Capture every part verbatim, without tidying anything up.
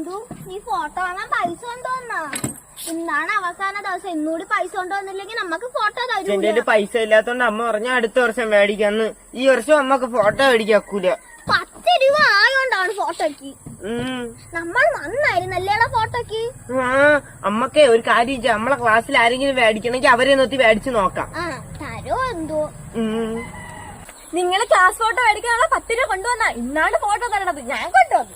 നീ ഫോട്ടോ വാങ്ങാൻ പൈസ കൊണ്ടുവന്നാ? ഇന്നാണ് അവസാന ദിവസം, ഇന്നൂടി പൈസ കൊണ്ടുവന്നില്ലെങ്കിൽ നമുക്ക് ഫോട്ടോ തരും. എന്റെ പൈസ ഇല്ലാത്തോണ്ട് അമ്മ പറഞ്ഞ അടുത്ത വർഷം മേടിക്കാന്ന്. ഈ വർഷം അമ്മക്ക് ഫോട്ടോ മേടിക്കാക്കൂല. പത്ത് രൂപ ആയോണ്ടാണ് ഫോട്ടോക്ക്. നമ്മൾ നന്നായിരുന്നല്ലേ ഫോട്ടോക്ക്. ആ അമ്മക്കേ ഒരു കാര്യം ചെയ്യാം, നമ്മളെ ക്ലാസ്സിൽ ആരെങ്കിലും മേടിക്കണമെങ്കിൽ അവരെ നോക്കി മേടിച്ചു നോക്കാം. തരോ എന്തോ. നിങ്ങള് ക്ലാസ് ഫോട്ടോ മേടിക്കാനുള്ള പത്ത് രൂപ കൊണ്ടുവന്നാ ഇന്നാണ് ഫോട്ടോ തരണത്. ഞാൻ കൊണ്ടുവന്നു.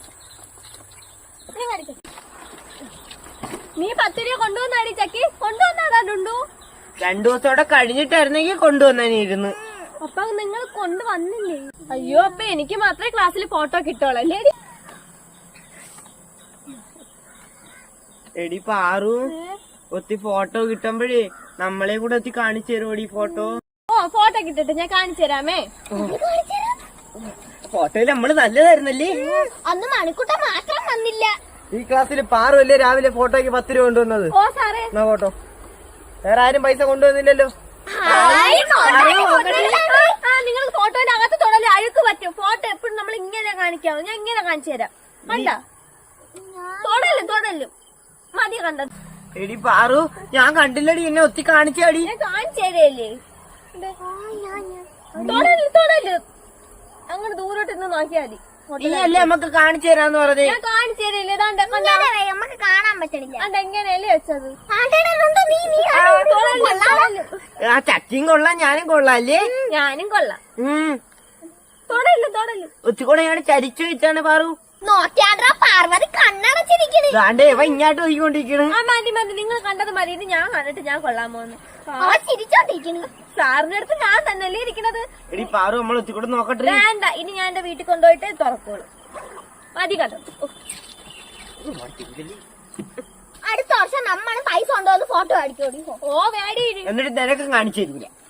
നീ പത്ത് രൂപ കൊണ്ടുവന്നാടി ചക്കി? കൊണ്ടുവന്നാടാ ഡുണ്ടു? രണ്ടു ദിവസത്തോടെ കഴിഞ്ഞിട്ടായിരുന്നെങ്കിൽ കൊണ്ടുവന്നിരുന്നു. അപ്പൊ നിങ്ങൾ കൊണ്ടുവന്നില്ലേ? അയ്യോ, അപ്പൊ എനിക്ക് മാത്രമേ ക്ലാസ്സിൽ ഫോട്ടോ കിട്ടുള്ളൂ. എടി പാറു, ഒത്തി ഫോട്ടോ കിട്ടുമ്പോഴേ നമ്മളെ കൂടെ ഒത്തി കാണിച്ചു തരുമോടി ഫോട്ടോ? ഓ, ഫോട്ടോ കിട്ടട്ടെ, ഞാൻ കാണിച്ചു തരാമേ. ഫോട്ടോയില് നമ്മള് നല്ലതായിരുന്നല്ലേ? അന്ന് മണിക്കൂട്ട മാറ്റാൻ വന്നില്ല. ഈ ക്ലാസ്സിൽ പാറു അല്ലേ രാവിലെ ഫോട്ടോയ്ക്ക് പത്ത് രൂപ കൊണ്ടുവന്നത്? ഓ സാറേ, എന്നാ ഫോട്ടോ. വേറെ ആരും പൈസ കൊണ്ടുവന്നില്ലല്ലോ. നിങ്ങൾ ഫോട്ടോന്റെ അകത്ത് തൊടല് അഴുക്ക് പറ്റും. ഫോട്ടോ എപ്പോഴും നമ്മൾ ഇങ്ങനെ കാണിക്കാവോ? ഞാൻ ഇങ്ങനെ കാണിച്ചു തരാം. കണ്ട തൊടലും തൊടലും മതി. കണ്ടത് എടി പാറു, ഞാൻ കണ്ടില്ലടി, എന്നെ ഒത്തി കാണിച്ചാടി. ഞാൻ കാണിച്ചു തരല്ലേ? തൊടല് തൊടല് അങ്ങനെ ദൂരോട്ട് നിന്ന് നോക്കിയാൽ മതി. നീ അല്ലേ നമുക്ക് കാണിച്ചു തരാന്ന് പറഞ്ഞേ? ഞാൻ കാണിച്ചു തരില്ലേ? നമുക്ക് കാണാൻ പറ്റണില്ല. അതെങ്ങനെയല്ലേ വെച്ചത്? ആ ചക്കിയും കൊള്ളാം, ഞാനും കൊള്ളാം അല്ലേ? ഞാനും കൊള്ളാം. തൊടല് തൊടല് ഒത്തിക്കൂടെ ഞാൻ ചരിച്ചു വെച്ചാണ് പാറു. നോക്കിയാണ്ടാ പാർവതി കണ്ണടച്ചിരിക്കണ്. ദാണ്ടേ ഇവ ഇങ്ങോട്ട് പോയിക്കൊണ്ടിരിക്കണ്. ആ മതി മതി, നിങ്ങൾ കണ്ടത് മതി. ഇത് ഞാൻ കണ്ടിട്ട് ഞാൻ കൊള്ളാമോന്ന്. അവ ചിരിച്ചോണ്ടിരിക്കണ്. സാറിന്റെ അടുത്ത് ഞാൻ തന്നെയല്ലേ ഇരിക്കണത്. എടി പാറു, നമ്മൾ ഒത്തിക്കൂടെ നോക്കട്ടെ. വേണ്ട, ഇനി ഞാൻ എന്റെ വീട്ടിൽ കൊണ്ടുപോയിട്ട് തുറക്കോളൂ. മതി കണ്ടത്. അടുത്ത വർഷം നമ്മൾ പൈസ കൊണ്ടുവന്ന് ഫോട്ടോ അടിക്കോടി. ഓ വേടി. എന്നിട്ട് നിനക്കും കാണിച്ചു തരില്ല.